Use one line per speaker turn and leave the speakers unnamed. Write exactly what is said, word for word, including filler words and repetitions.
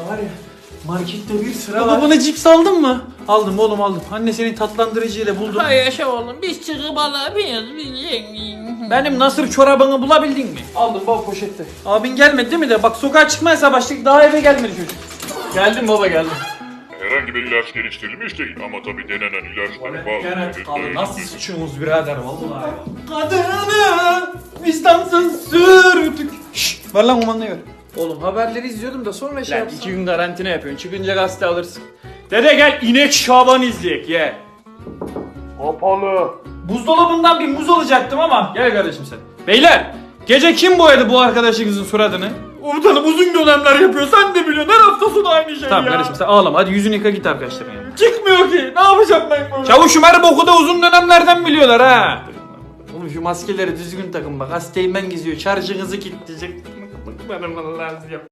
var ya, markette bir sıra
Baba
var.
bana cips aldın mı? Aldım oğlum aldım. Anne senin tatlandırıcıyla buldum.
Hay yaşa oğlum, biz çıkıp alabiliyoruz biz zengin.
Benim nasır çorabını bulabildin mi?
Aldım baba poşette.
Abin gelmedi değil mi de? Bak sokağa çıkmaya başladık daha eve gelmedi çocuk.
Geldim baba geldim.
Herhangi bir ilaç geliştirilmiş değil ama tabii denenen ilaçlar bazı...
Abi nasıl sıçıyorsunuz birader vallahi.
Kadını vicdansız sürdük. Şşş ver lan kumandayı ver.
Oğlum haberleri izliyordum da sonra şey
Lan
yapsam.
iki gün karantina yapıyorsun. Çıkınca gazete alırsın. Dede gel inek Şaban izleyek ye.
Kapalı.
Buzdolabından bir muz alacaktım ama gel kardeşim sen. Beyler gece kim boyadı bu arkadaşınızın suratını? Komutanım uzun dönemler yapıyor sen de biliyorsun her hafta sonu aynı şey
Tamam
ya.
kardeşim sen ağlama hadi yüzünü yıka git arkadaşlarına yanına.
Çıkmıyor ki ne yapacağım ben böyle? Çavuşum her boku da uzun dönemlerden biliyorlar ha.
Oğlum şu maskeleri düzgün takın bak hastayım ben geziyor şarjınızı kilitleyecek. Bana lazım.